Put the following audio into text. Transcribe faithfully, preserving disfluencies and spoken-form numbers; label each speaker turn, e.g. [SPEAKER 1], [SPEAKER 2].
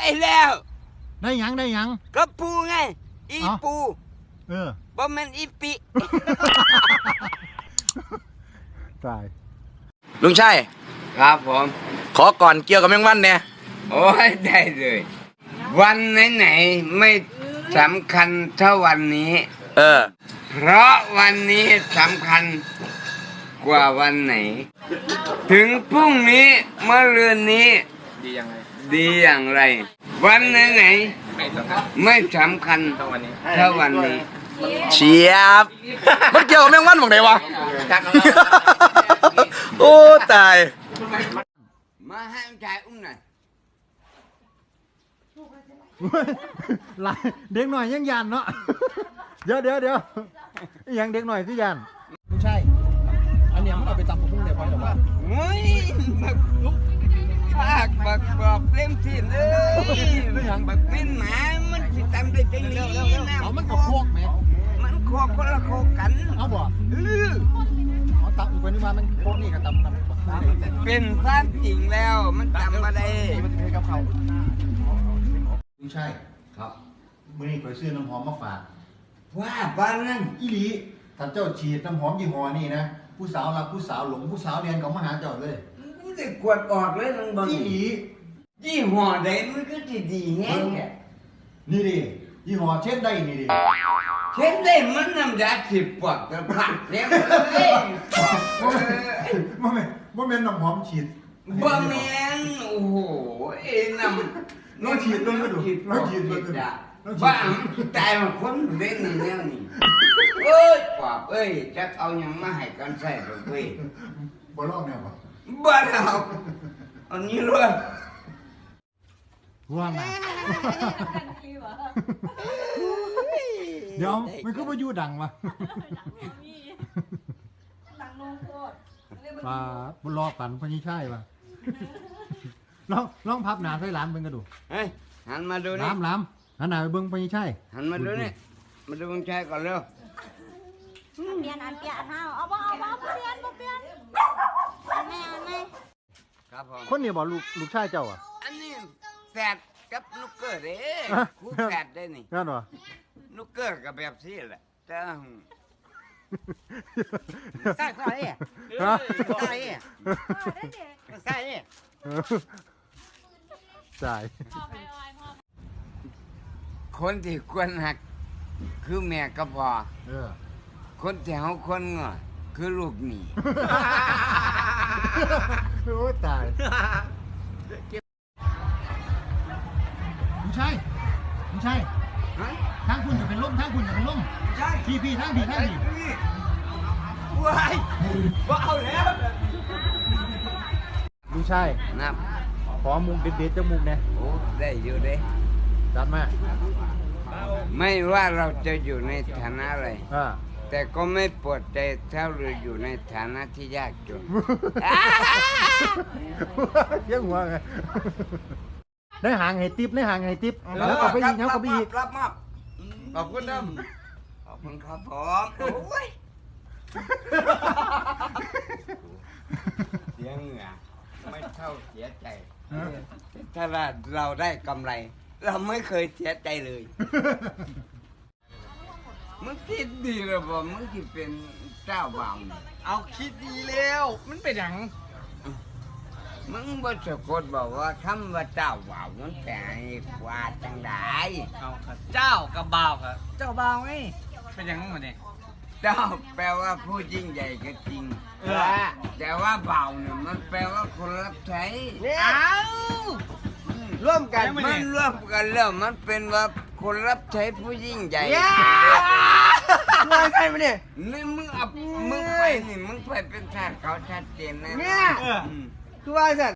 [SPEAKER 1] แล้ว
[SPEAKER 2] ได้หยังได้หยัง
[SPEAKER 1] ก็ปูไงอีปู
[SPEAKER 2] เออ
[SPEAKER 1] บ่แม่นอีปิ
[SPEAKER 2] ตาย
[SPEAKER 3] ลุงชัย
[SPEAKER 1] ครับผม
[SPEAKER 3] ขอก่อนเกี่ยวกับแมงวันเนี่ย
[SPEAKER 1] โอ้ยได้เลย วันไหนๆไม่สำคัญเท่าวันนี้
[SPEAKER 3] เออ
[SPEAKER 1] เพราะวันนี้สำคัญกว่าวันไหน ถึงพรุ่งนี้เมื่อเรือนนี้
[SPEAKER 3] ดียังไง
[SPEAKER 1] ดีอย่างไร วันไหนๆไม่สำคัญเท่าวันนี้เท่าวันนี้
[SPEAKER 3] เชียบ มันเกี่ยวกับแมงวันของไหนวะ โอ้ตาย
[SPEAKER 1] มาให้ชายอุ้มหน่อย
[SPEAKER 2] หลายเด็กหน่อยยังยันเนาะ เดี๋ยวเดี๋ยวเดี๋ยวยังเด็กหน่อยที่ยันไม่ใช่ อันเนี้ยมันเอาไปตำกับพุ่งเดี๋ยวพอหรือว่า
[SPEAKER 1] เฮ้ยบักลุกภาคบักบอกเล่มสิเลยบักเป็นหมามันสิตำได้จังนี้นะ
[SPEAKER 2] เอามันกับพวกไหม
[SPEAKER 1] มันโคกคนละโคกกัน
[SPEAKER 2] เอาบ่
[SPEAKER 1] เออ
[SPEAKER 2] เอาตำอีกคนนึงมามันพวกนี่กับตำตำ
[SPEAKER 1] เป็นความจริงแล้วมันจำมาได้
[SPEAKER 2] มันจะให้กับเขาไม่ใช่
[SPEAKER 1] ครับ
[SPEAKER 2] มื่อนี้ไปซื้อน้ำหอมมาฝาก
[SPEAKER 1] ว่าบ้านนั้น
[SPEAKER 2] อีหลีถ้าเจ้าฉีดน้ำหอมยี่ห้อนี่นะผู้สาวรักผู้สาวหลงผู้สาวเรียนเขามาหาเจ้าเลย
[SPEAKER 1] มันจะกวดออกเลยมันบาง
[SPEAKER 2] อีหลี
[SPEAKER 1] ยี่ห้อใดมันก็ดีดีแฮงแก
[SPEAKER 2] นี่ดิยี่ห้อเช่นได้นี่ดิ
[SPEAKER 1] เช่นได้มันน้ำยาสิบปอดกระพักแล้วเอ้ย
[SPEAKER 2] ว่าแม่ว่าแม่น้ำหอมฉีด
[SPEAKER 1] บ่แม่นโอ้โหเอ้น้ำ
[SPEAKER 2] น้องฉีดน้องก็ดูน้องฉีดน้องก็ดู
[SPEAKER 1] บ้าตายมาคนเล่นนั่นแล้วนี่เอ้ยปอบเอ้ยจะเอาหยังมาให้กันใส่ดอกเว้ย
[SPEAKER 2] บ่ลอกแนวบ่
[SPEAKER 1] บ้าเอาอันนี้เลย
[SPEAKER 2] ว่างนะเดี๋ยวมันก็มาอยู่ดังวะ
[SPEAKER 4] ดังลงโคตร
[SPEAKER 2] ปลาบุรอกันพญิชัยวะลองลองพับหนาใส่หลานเบิ่งก็ดู
[SPEAKER 1] เฮ้ยหันมาดูนี่
[SPEAKER 2] ล้ำล้ำหันหน้าไปเบิ่งพญิชัย
[SPEAKER 1] หันมาดูนี่มาดูมึงชายก่อนเร็ว
[SPEAKER 4] เปลี่ยนอันเปลี่ยนเฮาเอาบ่เอาบ่เปลี่ยนบ่เปลี่ยนอันแม่อันแม่
[SPEAKER 1] ครับผม
[SPEAKER 2] คนนี้บอกลูกลูกชายเจ้าอ่ะ
[SPEAKER 1] อันนี้แฝดกับนุกเกอร์เด้
[SPEAKER 2] ฮะ
[SPEAKER 1] คู่แฝดได้นี่
[SPEAKER 2] นั่นวะ
[SPEAKER 1] นุกเกอร์กับแบบซี่แหละแต่
[SPEAKER 5] ใส่ใส่เนี่ย
[SPEAKER 2] ฮะ
[SPEAKER 5] ใส่เนี่ยใส่เนี่ย
[SPEAKER 2] จ่าย
[SPEAKER 1] คนที่ควรหัก คือแม่กับพ่อ
[SPEAKER 2] เออ
[SPEAKER 1] คนที่เฮาควรง้อคือลูกหนี่
[SPEAKER 2] โอ้ตายลูกชายลูกชายทางคุณจะเป็นล่มทางคุณจะเป็นล่มพี่พี่ทางพี่ทางพี่
[SPEAKER 1] ว้ายบ่เอาแล้ว
[SPEAKER 2] ลูกชาย
[SPEAKER 1] นับ
[SPEAKER 2] ขอมุกเด็ดๆจมูกเนี่ย
[SPEAKER 1] โอ้ได้อยู่เด้
[SPEAKER 2] จัดมา
[SPEAKER 1] ไม่ว่าเราจะอยู่ในฐานะอะไร
[SPEAKER 2] อ่า
[SPEAKER 1] แต่ก็ไม่ปวดใจถ้าเราอยู่ในฐานะที่ยากจน
[SPEAKER 2] เที่ยงหัวไงได้หางให้ติ๊บได้หางให้ติ๊บแล้วก็ไปอีกแล้วก็ไปอีก
[SPEAKER 1] รับมอบขอบคุณนะขอบคุณครับผมโอ้ยเสียเหงื่อไม่เท่าเสียใจ ถ้าเราได้กำไร เราไม่เคยเสียใจเลย มึงคิดดีหรือเปล่ามึงคิดเป็นเจ้าบ่าวนี่
[SPEAKER 5] เอาคิดดีแล้วมันเป็นอย่าง
[SPEAKER 1] มึงบ่สะกดบอกว่าคำว่าเจ้าบ่าวมันแปลว่าจังได
[SPEAKER 5] เอาครับเจ้ากับบ่าวครับเจ้าบ่าวไงเป็นอย่างนั้นเนี่ย
[SPEAKER 1] เจ้าแปลว่าผู้ยิ่งใหญ่ก็จริง
[SPEAKER 5] เออ
[SPEAKER 1] แต่ว่าบ่าวเนี่ยมันแปลว่าคนรับใช้
[SPEAKER 5] เอา
[SPEAKER 1] ร่วมกันมันร่วมกันแล้วมันเป็นว่าคนรับใช้ผู้ยิ่งใหญ่
[SPEAKER 5] ว่าใช่ไหมเนี่ย
[SPEAKER 1] นี่มึงเอามึงไปนี่มึงไปเป็นทาสเขาชัดเจนแน่
[SPEAKER 5] เนี่ย
[SPEAKER 1] อืม
[SPEAKER 5] คือว่าสัต